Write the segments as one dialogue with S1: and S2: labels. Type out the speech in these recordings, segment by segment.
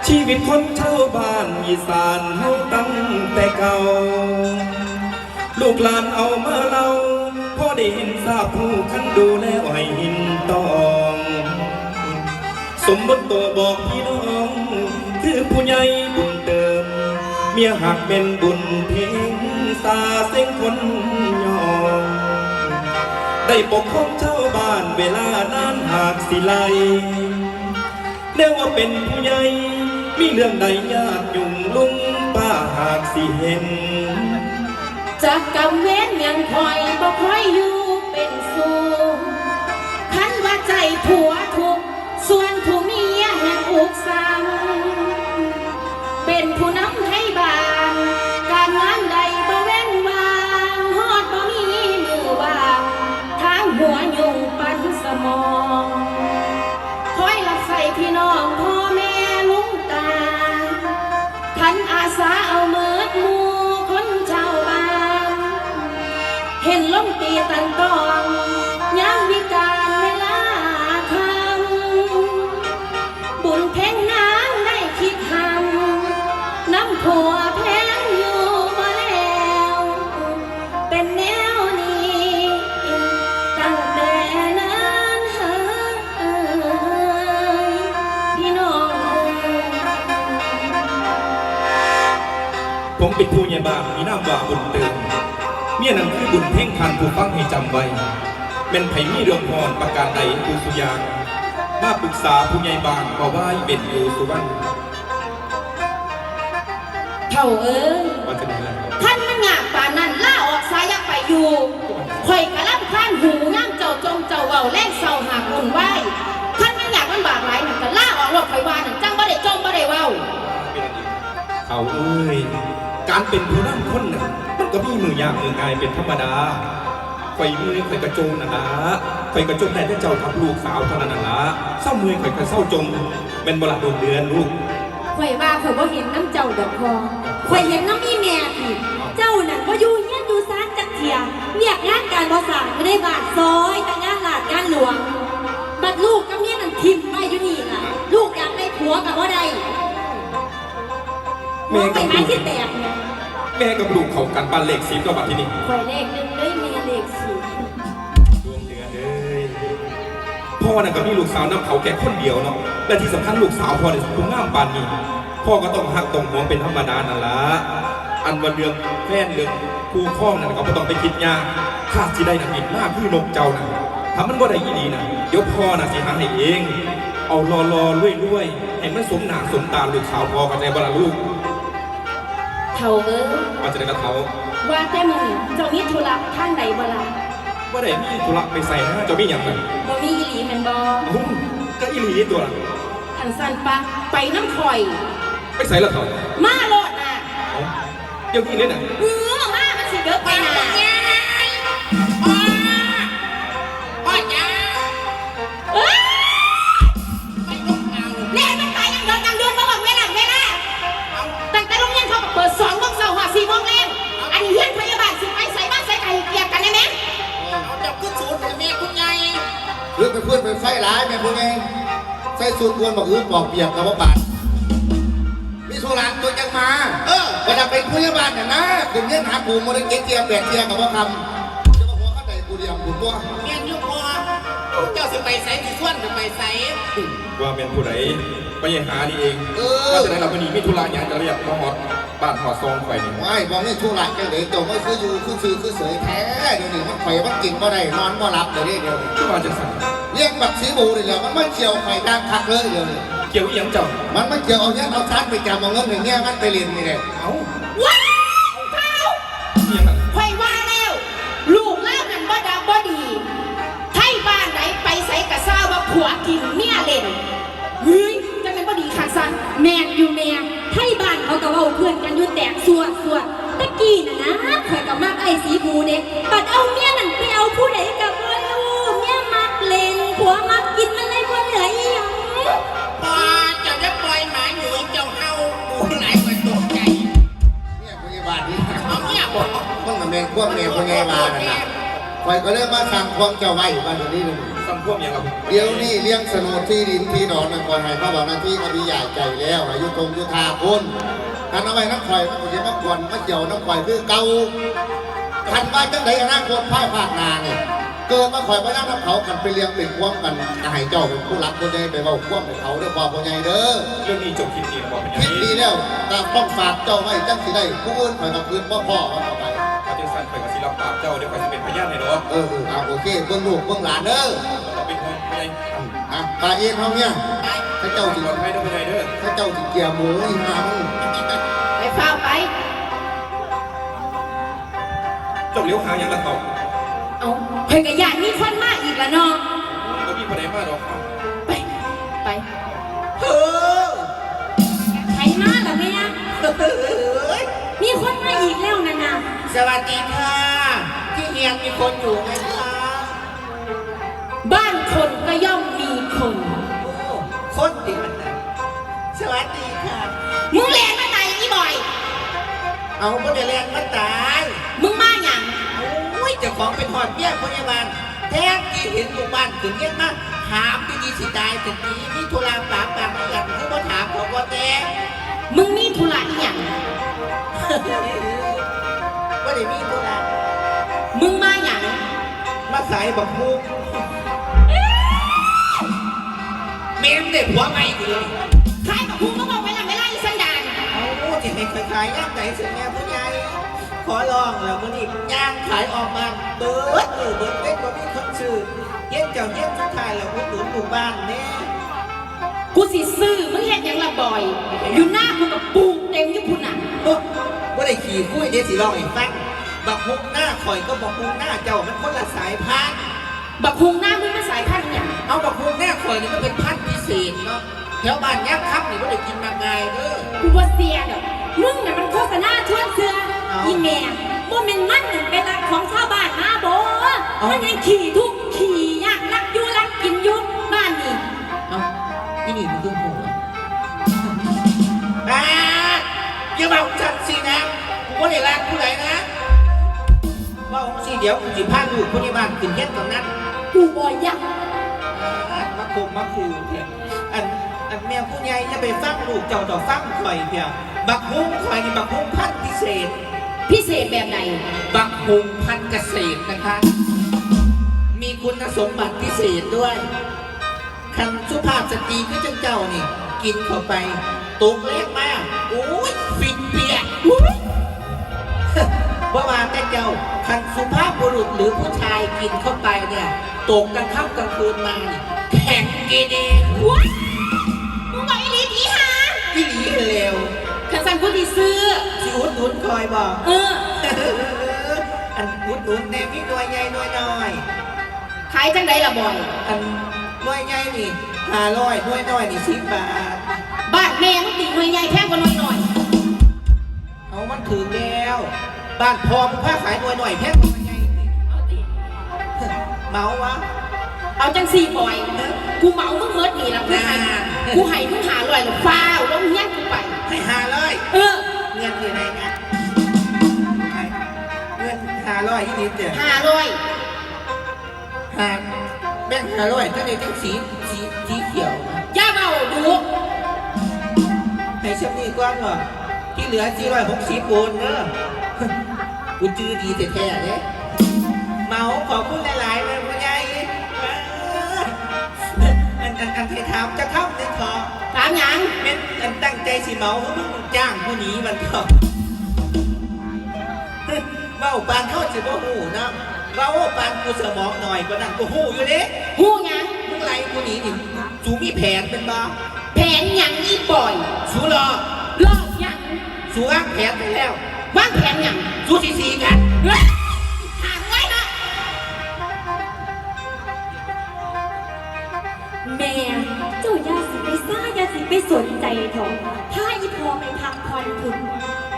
S1: ชีวิตคนชาวบ้านอีสานเฮาตั้งแต่เก่าลูกหลานเอามาเล่าพอได้เห็นทราบผู้คันดูแลให้หินตองสมมติตัวบอกพี่น้องคือผู้ใหญ่บุญเติมเมียหักเป็นบุญเพียงสาเส้นคนยองได้ปกครองชาวบ้านเวลานานหากสิไลเรียกว่าเป็นผู้ใหญ่มีเรื่องใดยากยุ่งลุงป้าหากสิเห็น
S2: จากกำเว้นยังคอยบ่คอยอยู่เป็นสูงคันว่าใจผัวทุกส่วนผู้เมียแห่งอุกซ้ำเป็นผู้นำให้บ้านการงานใดบ่เว้นวางฮอดบ่มีมือว่างทางหัวยุ่งปันสมองคอยรับใส่พี่น้องพ่อแม่ลุงตาทันอาสาเอาเมิดหมู่คนชาวบ้านเห็นล้มตีตันตองย้ำวิการเวลาคำบุญเพ่งน้ำได้คิดหำน้ำผัวแพงอยู่มาแล้วเป็นแนวนี้ตั้งแต่นั้นพี่น้อง
S1: ผมเป็นผู้ใหญ่บ้านมีนามว่าบุญเติมเมียนั้นคือบุญเพ่งคันผู้ฟังให้จำไว้เป็นไผมีเรื่องพรประการใดผู้สุยางมาปรึกษาผู้ใหญ่บ้านมาไหว้เป็นอยู่สุวรรณ
S2: เท่า
S1: ว่าจะได้
S2: ท่านมันงามป่านนั้นล่าออกสายไปอยู่ข่อยกะล่ำข้านหูง่ามเจ้าจงเจ้าเว้าแรงเศร้าหากอุ่นไหวท่านมันอยากมันบากหลายนั่นก็ล่าออกรถข่อยว่านั่นจังบ่ได้จมบ่ได้เว้า
S1: เขาเอ้ยการเป็นผู้นำคนน่ะมันก็มีมือยากมือง่ายเป็นธรรมดาไฟมือไฟกระโจมน่ะนะไฟกระโจมได้แต่เจ้าทับลูกสาวเท่านั้นน่ะนะเศร้ามือไฟกระเศร้าจมเป็นบลาดวงเดือนลูก
S2: ข่อยว่าข่อยบ่เห็นน้ำเจ้าดอกพอข่อยเห็นน้ำอีแม่พี่เจ้านั่นบ่อยู่เฮียนอยู่ซานจักเที่ยเรียกงานการบ่สร้างไม่ได้บาดซอยแต่งานลาดงานหลวงบัดลูกกับเมียนั่นทิ่มไปอยู่นี่ล่ะลูกอยากได้ผัวก็บ่ได้แม่กับลูกที่แตกเนี่ย
S1: แม่กับลูกเขากันบ้านเลข10ก็บัดที่นี่
S2: ข่อยเลข1เลยมีเลข10
S1: ดวงเดือนเอ้ยพ่อน่ะก็มีลูกสาวน้ำเขาแก่คนเดียวเนาะและที่สำคัญลูกสาวพ่อเนี่ยสมงามปานนี้พ่อก็ต้องหักต้องหวงเป็นธรรมดานั่นละอันว่าเรื่องแฟนเรื่องคู่ครองนั่นก็ไม่ต้องไปคิดยากข้าสิได้นักบินมากคือนกเจ้าน่ะถ้ามันว่าได้ยี่ดีน่ะเดี๋ยวพ่อน่ะสิหาให้เองเอารอรวยให้มันสมหน้าสมตาลูกสาวพ่อกันในบ้านลูก
S2: เท่า
S1: ว่าจะได้กระเทา
S2: ว่าแต่มึงเจ้ามีธุระท่านใดบ่ล่ะ
S1: ว่าได้มีธุระไปใส่นะเจ้ามีอย่างไร
S2: บ่มีอีหลีแม่นบ่
S1: ก็อีหลีตัวละ
S2: อันสั้นปะไปน้ำข่อย
S1: ไปใส่ละเถอะ
S2: มาโลดน่ะ
S1: เดี๋ยวนี้เลยน่ะ
S2: มามันสิเยอะไปน่ะพ่อจ้าไปลงเอาเล่นมันไปยังเดินมาบอกเวลาตั้งแต่โรงเรียนเขาเปิด2 โมงเช้า4 โมงแรงอันนี้เฮียนพยาบาลสิไปใส่บ้านใส่ไก่เกียกกันได้ไหม
S3: เอาจับขึ้นสูตรแม่คุณยาย
S4: เพื่อนไปไฟร้ายแม่พวกเองไฟสูตรควรบอกบอกเปียกกับว่าบาดมีสุรานตัวยังมาเวลาเป็นพยาบาลเนี่ยนะถึงเนี้ยหาปูโมเดลเกียร์แบกเกียร์กับว่าคำจะมาหัวข้าใดกูเดียมกูตัว
S3: แม่ยุพอเจ้าสิไปใส่ที่ส่วนจะไปใส่
S1: ว่าเป็นผู้ใดไปหาดีเองว่าจะได้รับวันนี้มีธุระอย่างจะเรียกมาหอดบ้านหอดซองไฟนี่
S4: ไม่บอกนี่ธุระจังเลยเจ้าไม่คืออยู่คือซื้อคือเสยแท้เดี๋ยวนี้มันไฟมันกินก็ได้นอนก็รับเดี๋ยวนี้
S1: ที่ว่าจะสั่ง
S4: เรียกแบบสีบูเลยแล้วมันไม่เกี่ยวไฟดังคักเลยเดี๋ยวนี้
S1: เกี่ยวยังเจ้า
S4: มันไม่เกี่ยวเอาเนี้ยเอาชัดไปจำเอาเงินอย่างเงี้ยมันไปเรียนนี่แหละ
S1: เอา
S2: ว้าวเท้าไฟว่าแล้วลูกเล่านั่นบ่ดับบ่ดีไทยบ้านไหนไปใส่กระซ่าว่าผัวกินเมียเล่นเฮ้ยจะเป็นบ่ดีขาดสันแม่อยู่แม่ไทยบ้านเขาก็เว้าเพื่อนกันอยู่แตกสวดตะกี้น่ะนะข่อยกับมักไอ้สีบูเด็กปัดเอาเมียนั่นไปเอาผู้ใดกับบ่รู้เมียมักเล่นผัวมักกินมันเลยบ่เหลืออีหยัง
S3: พอจะปล่อยหมาหนุ่ยเจ้าเฮาปูไหลมาตกใจ
S4: เนี่ยพยาบาลนี่
S3: เอาเนี่ยบอก
S4: ต้องมาเมนพวกเมียพยาบาลน่ะคอยก็เริ่มมาสั่งควงเจ้าไว้บ้านนี้เลย
S1: สั่งำท่วมอย่างเรา
S4: เดี๋ยวนี้เลี้ยงสนดที่ดินที่ดอนนั่นก่อนให้พระบอกหน้าที่ก็มีใหญ่ใจแล้วอายุตรงยุทธาคุณการเอาไว้น้ำข่อยมันก็จะมากวนมาเกี่ยวน้ำข่อยคือเก่าทันว่าจังใดอนาคตภายภาคหนาเนี่ยเกิดมาข่อยมานั่งน้ำเขากันไปเลี้ยงเป็นควงกันจะให้เจ้าเป็นผู้รักคนใหญ่ไปเบาควงให้เขาเด้อบอกคนใหญ่เด้อ
S1: เรื่องนี้จบคลิปนี้บอกเป็นอย่าง
S4: คิด
S1: นี้
S4: ดีแล้วแต่ต้องฝากเจ้าไว้จังสิได้ผู้อื่นข่อยกับคืนพ่อมาต่อไป
S1: เขาจะสั่นไปกับศิลปะเจ้าเดี๋ยวไปจะเป็นพยานให้เนาะ
S4: เอาโอเคเบื้องลูกเบื้องหลานเด้อ
S1: เราเป็นคนไง
S4: ปลาเอ็นเขาเนี่ยถ้าเจ้าสิ
S1: ปลอดภัยด้วยไปไหนเด้อ
S4: ถ้าเจ้าสิเกียร์หมูอีหามึง
S2: ไปเฝ้าไป
S1: จบเลี้ยวหาอย่างละเขา
S2: เอาเพิ่นก็อยากมีคนมาอีกละเนาะ
S1: ก็มีคนไหนมาหรอก
S2: ไปไป
S3: เออ
S2: ใครมาล่ะแม่มีคนมาอีกแล้วนะนะ
S3: สวัสดีค่ะ ที่เฮียงมีคนอยู่ไหมคะ
S2: บ้านคนก็ย่อมมีคน
S3: โอ้คนดีมันนะสวัสดีค่ะ
S2: มึงแลนมาตายอีบ่อย
S3: เอาก็จะเรียนมาตาย
S2: มึงมาหยัง
S3: โอ้ยเจ้าของเป็นหอดเบี้ยพยาบาลแท้ที่เห็นลูกบ้านถึงเย็นมากถามดีๆสิตายถึงนี้มีธุระปากปากกันคือว่าถามของว่าแต่
S2: มึงมีธุระอีหยัง
S3: ว่าได้มีธุระ
S2: มึงมาหยัง
S3: มาขายบักฮูเมมเด็กหัวใหม่กูเลย
S2: ใครกับมึงก็บอกไว้ละไม่ไล่สันดาน
S3: เอาที่ให้ขายย่างไหนสิแม่ผู้ใหญ่ขอลองแล้วมันอีกย่างขายออกมาเบิร์ดเบิร์ดเล็กกว่ามีคนซื้อเย็นเจ้าเย็นสุดท้ายแล้วอุดหนุนหมู่บ้านแน่
S2: กูสิซื้อมึงเฮ็ดหยังละบ่อย อยู่หน้ากูกับปูเต็มอยู่พุ่นน่ะ
S3: ว่าได้ขี่คุยเดี๋ยวสิลองให้ฟังบักฮุกหน้าข่อยก็บักฮุกหน้าเจ้ามันคนละสายพันธุ์
S2: บักฮุงหน้ามึงมาสายพันธุ์หยัง
S3: เอาบักฮุกหน้าข่อยนี่มันเป็นพันธุ์พิเศษเนาะแถวบ้านยักษ์ครับนี่ว่าได้กินมาไงเด้อ
S2: กูบ่เสียดอกมึงน่ะมันโฆษณาชวนเสือ
S3: เอา
S2: อีแม่บ่แม่นมันนั่นเป็นรักของชาวบ้านมาบ่มันยังขี่ทุกข์ขี่ยากรักอยู่รักกินอยู่บ้านนี่
S3: เอาที่นี่มันคือหัวอย่าบอกจัดสินะกูว่าได้รักผู้ใดนะว่าสิเดี๋ยวกูสิพาลูกคนในบ้านขึ้นเฮ็ดตรงนั้น
S2: กูบ่อยาก
S3: มาคุมมาคูเพียงอันแม่ผู้ใหญ่จะไปฟังลูกเจ้าต่อฟังข่อยเพียงบักฮุ้งข่อยนี่บักฮุ้งพันธุ์พิเศษ
S2: พิเศษแบบไหน
S3: บักฮุ้งพันธุ์เกษตรนะคะ มีคุณสมบัติพิเศษด้วยคำสุภาพสตรีคือเจ้านี่ กินเข้าไปตุกเล็กมากโอ้ยฟินเปียกเพราะว่าแต่เจ้าคันสุภาพบุรุษหรือผู้ชายกินเข้าไปเนี่ยตกกลางค่ำกลางคืนมาเนี่ยแข็งเกเร
S2: ว้ายมึงบอกอีหลีผีหา
S3: ที่หลีเร็ว
S2: ขันสันกูสิซื้อ
S3: สิอุดหนุนคอยบอก อันอุดหนุนแน่มีหน่วยใหญ่หน่วยน้อย
S2: ขายจังไดล่ะบ่อย
S3: อันหน่วยใหญ่นี่500หน่วยน้อยนี่10 บาท
S2: บ้านแม่มึงตีหน่วยใหญ่แพงกว่าหน่วยหน่อย
S3: เอามันถือแล้วบ้านพอมึงพาขายหน่วยหน่อยแพงกว่าหน่วยใหญ่อีกเมาวะ
S2: เอาจังสี่บ่อย กูเหมามึงเมิดนี่ละกูให้มึงหาลอยหรือฟ้าวแล้วมึงแยกกูไป
S3: ให้500
S2: เออ
S3: เงินอยู่ไหนกันเงิน500ที่นี่เจ้ะ
S2: 500
S3: แบ่ง500ก็เลยต้องสีเขียว
S2: ย่าเบาดู
S3: ให้ฉันนี่ก้อนเหรอที่เหลือ460โอนเนอะกูจื้อดีแท้ๆเนี่ยเมาขอบคุณหลายๆเลยพ่อใหญ่อันที่ถามจะเข้าในคอ
S2: ถามหยัง
S3: เป็นอันตั้งใจสิเมาเพราะมึงจ้างผู้หนีมันก็เมาปานเข้าสิบ่หูนะเมาปานกูสมองหน่อยกว่านั้นกูหูอยู่เด้
S2: หูหยัง
S3: มึงไรผู้หนีนี่สูมีแผนเป็นบ้า
S2: แผนหยังอีบ่อย
S3: สูรอ
S2: ลอกหยัง
S3: สูวางแผนไปแล้ว
S2: วางแผนหยัง
S3: สูสีกัน
S2: เฮ้ยหางไว้นะแม่เจ้าอย่าสิไปซ่าอย่าสิไปสนใจเถอะถ้าอีพอไปพักผ่อนถึง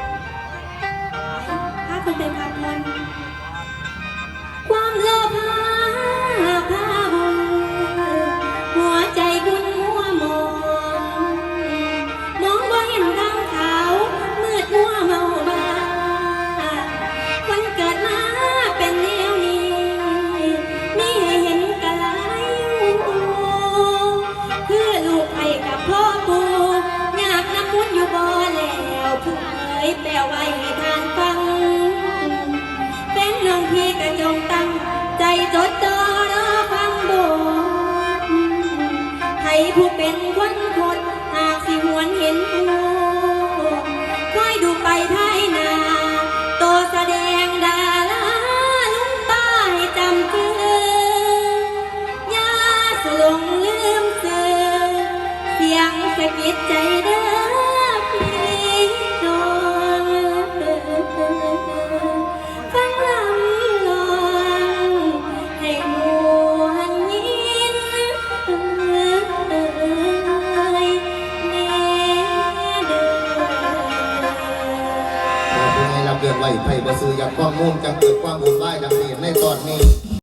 S2: ถ้าคนไปพักผ่อนความโลภพาหุนหัวใจคุณมัวมองมองว่าเห็นทางขาวมืดมัวเมาบ้าคนเกิดมาเป็นแนวนี้มีให้เห็นกะหลายอยู่ทุกเอ่ยแปลไว้ให้ทานฟังเป็นน้องพี่กระจงตั้งใจจดจ่อรอฟังบทให้ผู้เป็นคนคดหากสิหวนเห็นผู้คอยดูไปภายหน้าโตแสดงดาราลุงป้าให้จำเกือยาสลงลืมเสือเสียงสะกิดใจเด้อพี่น้องฟังลำลองให้มวนยินแน่เด้อ
S4: ผู้ใหญ่รับเรื่องไว้ไผ่บ่ซื้ออยากข้อมูลจัง